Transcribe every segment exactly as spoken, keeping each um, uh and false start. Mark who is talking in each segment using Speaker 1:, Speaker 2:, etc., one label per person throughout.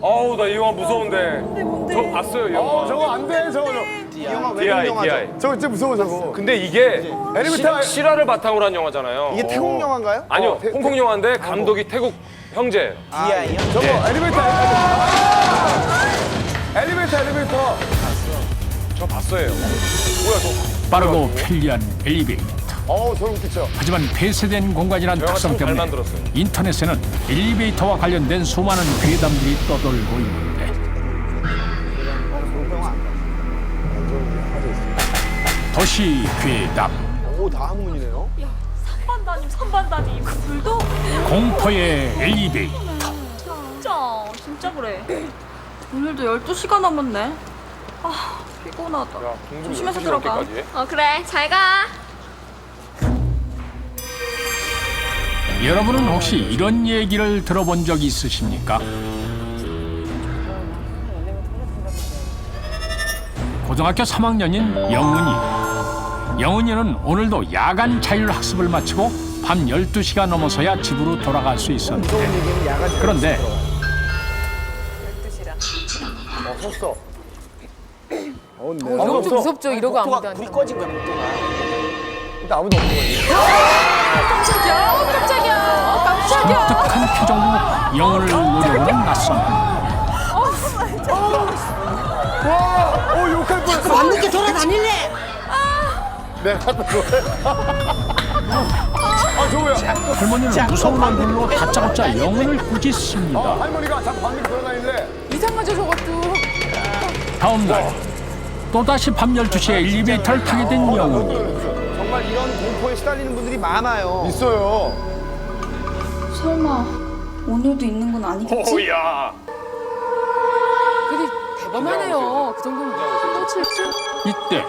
Speaker 1: 어우, 나 이 영화 무서운데.
Speaker 2: 뭔데 뭔데?
Speaker 1: 저 봤어요, 이 영화.
Speaker 3: 어, 저거 안 돼, 저거. 저.
Speaker 4: 이 영화 외국
Speaker 1: 디아이,
Speaker 4: 영화죠.
Speaker 1: 디아이.
Speaker 3: 저거 진짜 무서워, 저거.
Speaker 1: 근데 이게
Speaker 3: 엘리베이터-
Speaker 1: 시- 실화를 바탕으로 한 영화잖아요.
Speaker 4: 이게 태국 영화인가요?
Speaker 1: 아니요,
Speaker 3: 어, 태-
Speaker 1: 홍콩 영화인데 감독이 태국 형제예요.
Speaker 4: 디아이요?
Speaker 3: 저거
Speaker 1: 네.
Speaker 3: 엘리베이터. 엘리베이터, 엘리베이터.
Speaker 1: 저 봤어요. 뭐야, 저.
Speaker 5: 빠르고 편리한 엘리베이터.
Speaker 3: 어우, 저거 웃기죠.
Speaker 5: 하지만 폐쇄된 공간이란
Speaker 1: 저 영화
Speaker 5: 특성
Speaker 1: 참 잘
Speaker 5: 때문에
Speaker 1: 만들었어요.
Speaker 5: 인터넷에는 엘리베이터와 관련된 수많은 괴담들이 떠돌고 있는데 도시 괴담,
Speaker 4: 오, 다 한문이네요.
Speaker 2: 삼반 담임 삼반 담임. 불도?
Speaker 5: 공포의 엘리베이터.
Speaker 2: 진짜 진짜 그래. 오늘도 열두 시간 남았네. 아 피곤하다.
Speaker 1: 야, 동굴
Speaker 2: 조심해서
Speaker 1: 열두 시
Speaker 2: 들어가.
Speaker 1: 넘게까지 해?
Speaker 2: 어 그래 잘 가.
Speaker 5: 여러분은 혹시 이런 얘기를 들어본 적 있으십니까? 고등학교 삼 학년인 영은이. 영은이는 오늘도 야간 자율학습을 마치고 밤 열두 시가 넘어서야 집으로 돌아갈 수 있었는데 그런데
Speaker 3: 어, 섰어. 어, 네.
Speaker 6: 이런
Speaker 3: 아무도
Speaker 6: 좀
Speaker 3: 없어.
Speaker 6: 무섭죠. 이러고 아무도
Speaker 4: 목도가
Speaker 6: 안
Speaker 4: 불이
Speaker 6: 돼.
Speaker 4: 꺼진 거야, 목도가.
Speaker 3: 일단 아무도 없는 거지.
Speaker 2: 깜짝이야. 어, 깜짝이야. 어, 깜짝이야.
Speaker 5: 독특한 표정으로 영은을 노려보는 낯선
Speaker 3: 와, 어, 욕할 뻔했어.
Speaker 7: 밤늦게 돌아다닐래?
Speaker 3: 내가 갖다 줘. 아, 저 뭐야?
Speaker 5: 할머니는 무서운 얼굴로 다짜고짜 영은을
Speaker 3: 어,
Speaker 5: 꾸짖습니다.
Speaker 3: 할머니가 자꾸 밤늦게 돌아다니는데.
Speaker 6: 이상하죠 저것도.
Speaker 5: 다음 날 또다시 밤 열두 시에 엘리베이터를 타게 된 영은이.
Speaker 4: 정말 이런 공포에 시달리는 분들이 많아요.
Speaker 3: 있어요.
Speaker 2: 설마 오늘도 있는 건 아니겠지?
Speaker 1: 오야.
Speaker 6: 근데 대범하네요. 그 정도면 한도 칠칠.
Speaker 5: 이때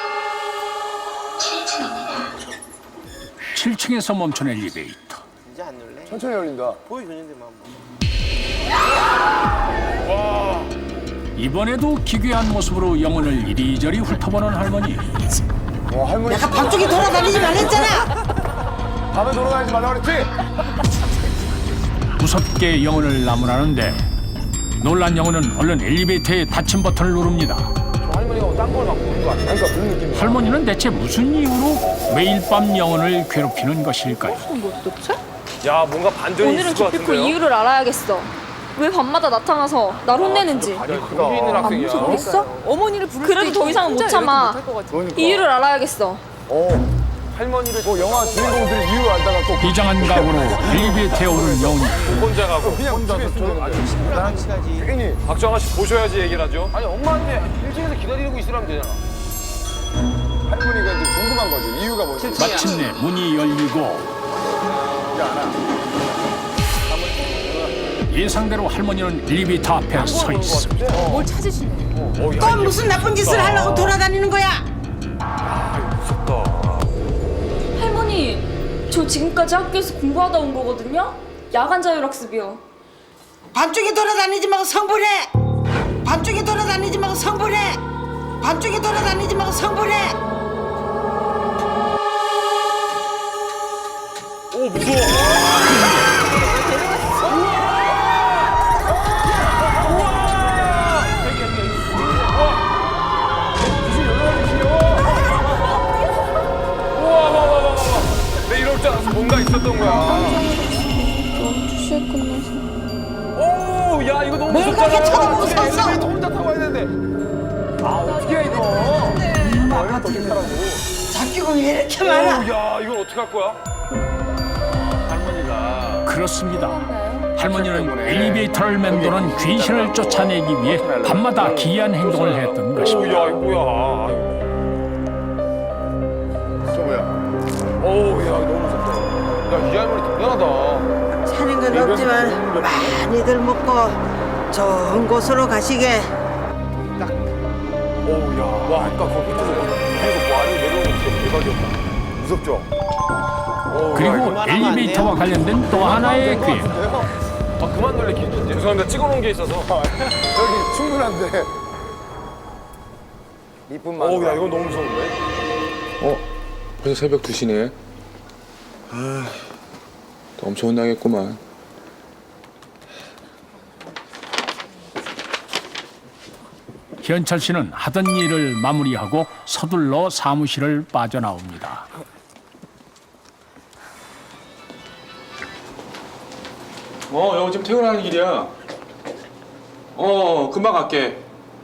Speaker 5: 칠 층에서 멈춘 엘리베이터.
Speaker 4: 이제 안 놀래?
Speaker 3: 천천히 열린다.
Speaker 4: 보여줬는데 뭐 한번.
Speaker 5: 이번에도 기괴한 모습으로 영혼을 이리저리 훑어보는 할머니.
Speaker 3: 와, 할머니.
Speaker 7: 내가 밤중에 돌아다니지 말랬잖아.
Speaker 3: 밤에 돌아다니지 말라고 그랬지?
Speaker 5: 무섭게 영혼을 나무라는데 놀란 영혼은 얼른 엘리베이터의 닫힘 버튼을 누릅니다.
Speaker 1: 할머니가 딴 걸 막 보는 거 같아.
Speaker 3: 그러니까 그런 느낌이야.
Speaker 5: 할머니는 대체 무슨 이유로 매일 밤 영혼을 괴롭히는 것일까요?
Speaker 1: 야, 뭔가 반전이
Speaker 2: 오늘은
Speaker 1: 있을 것
Speaker 2: 기필코
Speaker 1: 같은데요?
Speaker 2: 이유를 알아야겠어. 왜 밤마다 나타나서 날 혼내는지.
Speaker 1: 야, 거기 있는 학생이야.
Speaker 2: 무섭겠어?
Speaker 6: 어머니를 부를
Speaker 2: 그래도
Speaker 6: 때
Speaker 2: 더 이상은
Speaker 6: 혼자
Speaker 2: 못 참아.
Speaker 6: 이렇게 못할 것 같아요.
Speaker 3: 그러니까.
Speaker 2: 이유를 알아야겠어.
Speaker 3: 어,
Speaker 1: 할머니를
Speaker 3: 뭐 영화 주인공들이 이유 알다가 또
Speaker 5: 비장한 각오로 엘리베이터에 오른 영혼이
Speaker 1: 혼자 가고.
Speaker 3: 그냥 혼자 있으면
Speaker 4: 아주 친구랑 같이 가지.
Speaker 3: 괜히
Speaker 1: 박정아 씨 보셔야지 얘기를 하죠. 아니, 엄마한테 일 층에서 기다리고 있으라면 되잖아.
Speaker 3: 할머니가 이제 궁금한 거지. 이유가 뭔지.
Speaker 5: 마침내 문이 열리고 예상대로 할머니는 엘리베이터 앞에 서 있습니다.
Speaker 6: 뭘 찾으시네.
Speaker 1: 어, 야,
Speaker 7: 또
Speaker 1: 이게
Speaker 7: 무슨 나쁜 짓을 하려고 돌아다니는 거야?
Speaker 1: 무섭다.
Speaker 2: 할머니, 저 지금까지 학교에서 공부하다 온 거거든요? 야간 자율학습이요.
Speaker 7: 밤중에 돌아다니지 말고 성불해. 밤중에 돌아다니지 말고 성불해. 밤중에 돌아다니지 말고 성불해.
Speaker 1: 오, 무서워. 우와, 와, 와, 와, 와. 내 이럴 줄 알았어. 뭔가 있었던 거야.
Speaker 2: 열두 시에 끝나서.
Speaker 1: 오, 야, 이거 너무
Speaker 7: 뭘
Speaker 1: 무섭잖아.
Speaker 7: 그렇게 쳐다보고
Speaker 1: 어떻게
Speaker 7: 섰어?
Speaker 1: 엘리베이터 혼자 타고 와야 되는데.
Speaker 3: 아, 어떻게 해, 이거. 얼마나 어떻게 타라고.
Speaker 7: 잡기공이 왜 이렇게 많아?
Speaker 1: 오, 야, 이걸 어떻게 할 거야? 할머니가.
Speaker 5: 그렇습니다. 할머니는 엘리베이터를 맴도는 귀신을 쫓아내기 위해 밤마다 기이한 행동을 했던
Speaker 1: 오,
Speaker 5: 것입니다.
Speaker 1: 야, 이거 뭐야.
Speaker 3: 저 뭐야?
Speaker 1: 오, 야, 이거 너무 무섭다. 야, 이 할머니 대단하다.
Speaker 7: 사는 건 없지만 많이들 먹고 좋은 곳으로 가시게.
Speaker 1: 오, 야. 와, 아까 거기 밑에서 위에서 뭐 아래로 내려오는 게 진짜 대박이었다.
Speaker 3: 무섭죠?
Speaker 1: 오, 야,
Speaker 5: 그리고
Speaker 4: 그만하면 안
Speaker 5: 엘리베이터와
Speaker 4: 돼요?
Speaker 5: 관련된 또 하나의 괴담.
Speaker 1: 아, 그만 놀래키는데. 죄송합니다. 찍어놓은 게 있어서.
Speaker 3: 저기 충분한데. 이쁜
Speaker 1: 오, 야, 이건 너무 무서운데?
Speaker 8: 어? 벌써 새벽 두 시네. 아, 또 엄청 혼나겠구만.
Speaker 5: 현철 씨는 하던 일을 마무리하고 서둘러 사무실을 빠져나옵니다.
Speaker 8: 어, 형 지금 퇴근하는 길이야. 어, 금방 갈게.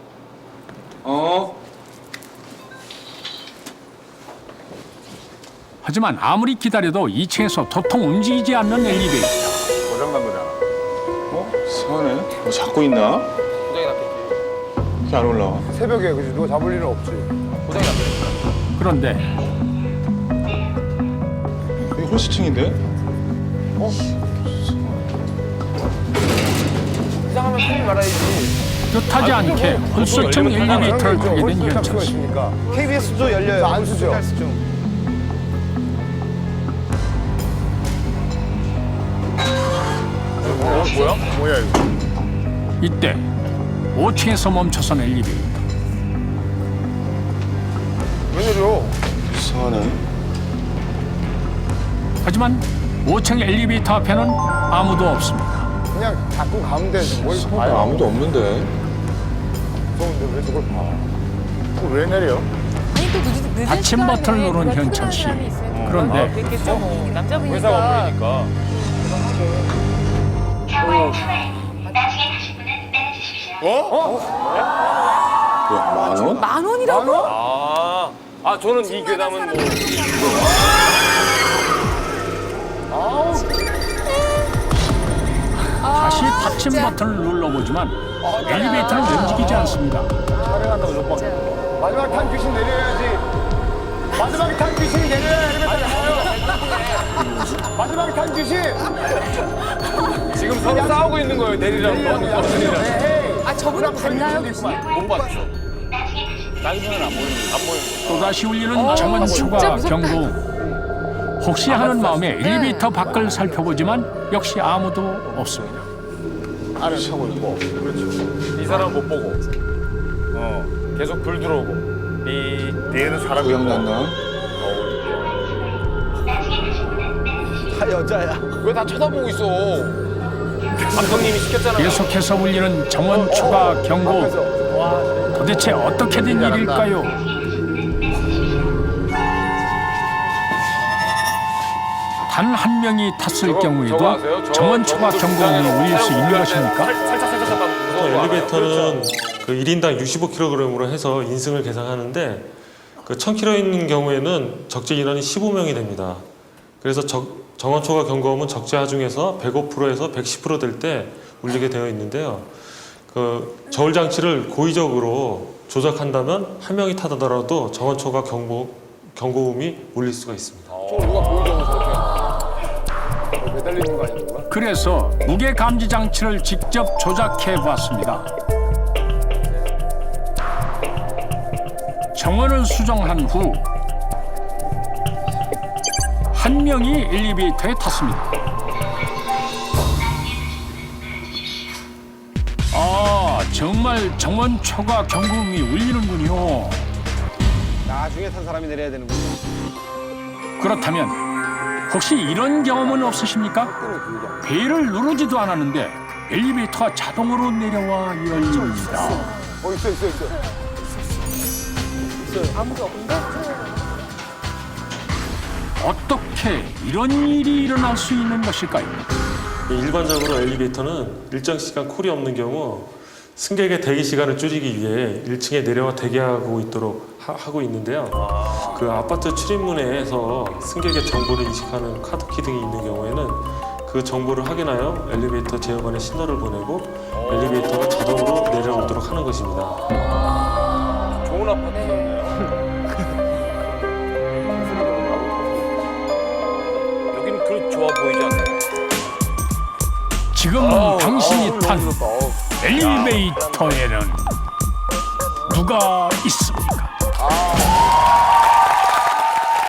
Speaker 8: 어.
Speaker 5: 하지만 아무리 기다려도 이 층에서 도통 움직이지 않는 엘리베이터.
Speaker 1: 고장난 거잖아.
Speaker 8: 어? 이상하네. 뭐 잡고 있나?
Speaker 1: 고장이 났겠지.
Speaker 8: 이렇게 안 올라와.
Speaker 1: 새벽에 그지 누가 잡을 일은 없지. 고장이 났다니까.
Speaker 5: 그런데
Speaker 8: 여기 홀수층인데?
Speaker 1: 이상하면 큰일 말아야지.
Speaker 5: 뜻하지 않게 홀수층 엘리베이터를 타게 된 현철 씨.
Speaker 4: 케이비에스도 열려요.
Speaker 1: 안 쓰죠. 어, 뭐야? 뭐야 이거?
Speaker 5: 이때 오 층에서 멈춰선 엘리베이터.
Speaker 1: 웬일이요?
Speaker 8: 이상하네.
Speaker 1: 하지만
Speaker 5: 오 층 엘리베이터 앞에는 아무도 없습니다.
Speaker 1: 그냥 자꾸 가면 돼. 뭘 봐.
Speaker 8: 아니, 아무도 없는데.
Speaker 1: 무서운데 왜 저걸 봐? 그거 왜 내려?
Speaker 6: 아니 또 늦은, 늦은
Speaker 5: 받침
Speaker 6: 시간에
Speaker 5: 버튼을 누른
Speaker 6: 누가
Speaker 5: 현철
Speaker 6: 퇴근하는
Speaker 5: 씨.
Speaker 6: 사람이 있어야 되니까.
Speaker 5: 그런데
Speaker 6: 그랬겠죠 뭐 남자분이니까.
Speaker 1: 회사가 보이니까.
Speaker 9: 사월 초에 나중에 가실 분은 내려주십시오.
Speaker 8: 뭐야, 만 원?
Speaker 6: 만 원이라고?
Speaker 1: 아, 아 저는 이 괴담은 뭐.
Speaker 5: 다시 받침 버튼을 눌러보지만 엘리베이터는 움직이지 않습니다.
Speaker 1: 촬영한다고 못 받겠다. 마지막 탄 귀신 내려야지. 마지막 탄 귀신이 내려야 엘리베이터를 가요. 마지막 탄 귀신. 지금 서로 싸우고 있는 거예요. 내리라고. 내리라고.
Speaker 6: 아 저분은 봤나요 교수님?
Speaker 1: 못 봤어. 나중에는 안 보이는 안 보이는
Speaker 5: 또다시 울리는 정원초가
Speaker 6: 진짜 무섭다.
Speaker 5: 경고. 혹시 하는 마음에 엘리베이터 밖을 살펴보지만 역시 아무도 없습니다.
Speaker 1: 안에 차고 있고. 그렇죠. 이 사람 못 보고. 어. 계속 불 들어오고. 이 뒤에는 사람이
Speaker 8: 고장 났나?
Speaker 4: 다 여자야.
Speaker 1: 왜 다 쳐다보고 있어? 감독님이 시켰잖아.
Speaker 5: 계속해서 울리는 정원초가 경고. 도대체 어떻게 된 일일까요? 단 한 명이 탔을
Speaker 1: 저거,
Speaker 5: 경우에도
Speaker 1: 저거 아세요? 저-
Speaker 5: 정원초가
Speaker 1: 저것도
Speaker 5: 경고음이
Speaker 1: 불쌍해요.
Speaker 5: 울릴 수 있는
Speaker 1: 살-
Speaker 5: 것입니까?
Speaker 1: 살짝 살짝 살짝 무서워.
Speaker 10: 엘리베이터는 그 일 인당 육십오 킬로그램으로 해서 인승을 계산하는데 그 천 킬로그램 있는 경우에는 적재 인원이 십오 명이 됩니다. 그래서 적, 정원초과 경고음은 적재 하중에서 백오 퍼센트에서 백십 퍼센트 될 때 울리게 되어 있는데요. 그 저울 장치를 고의적으로 조작한다면 한 명이 타더라도 정원초과 경고, 경고음이 울릴 수가 있습니다.
Speaker 1: 저 누가 보이려고 저렇게 매달리는 거 아니야 누가?
Speaker 5: 그래서 무게 감지 장치를 직접 조작해 보았습니다. 정원을 수정한 후 한 명이 엘리베이터에 탔습니다. 아, 정말 정원초가 경고음이 울리는군요.
Speaker 4: 나중에 탄 사람이 내려야 되는군요.
Speaker 5: 그렇다면 혹시 이런 경험은 없으십니까? 벨을 누르지도 않았는데 엘리베이터가 자동으로 내려와 열립니다.
Speaker 1: 어 있어 있어 있어.
Speaker 6: 아무도 없는데?
Speaker 5: 어떻게 이런 일이 일어날 수 있는 것일까요?
Speaker 10: 일반적으로 엘리베이터는 일정 시간 콜이 없는 경우 승객의 대기 시간을 줄이기 위해 일 층에 내려와 대기하고 있도록 하, 하고 있는데요. 그 아파트 출입문에서 승객의 정보를 인식하는 카드키 등이 있는 경우에는 그 정보를 확인하여 엘리베이터 제어관에 신호를 보내고 엘리베이터가 자동으로 내려오도록 하는 것입니다.
Speaker 1: 좋은 아파트였네요. 여기는 그렇게 좋아 보이지 않아요.
Speaker 5: 지금
Speaker 1: 아우,
Speaker 5: 당신이
Speaker 1: 아우,
Speaker 5: 탄
Speaker 1: 너무 무섭다. 어우.
Speaker 5: 엘리베이터에는 누가 있습니까?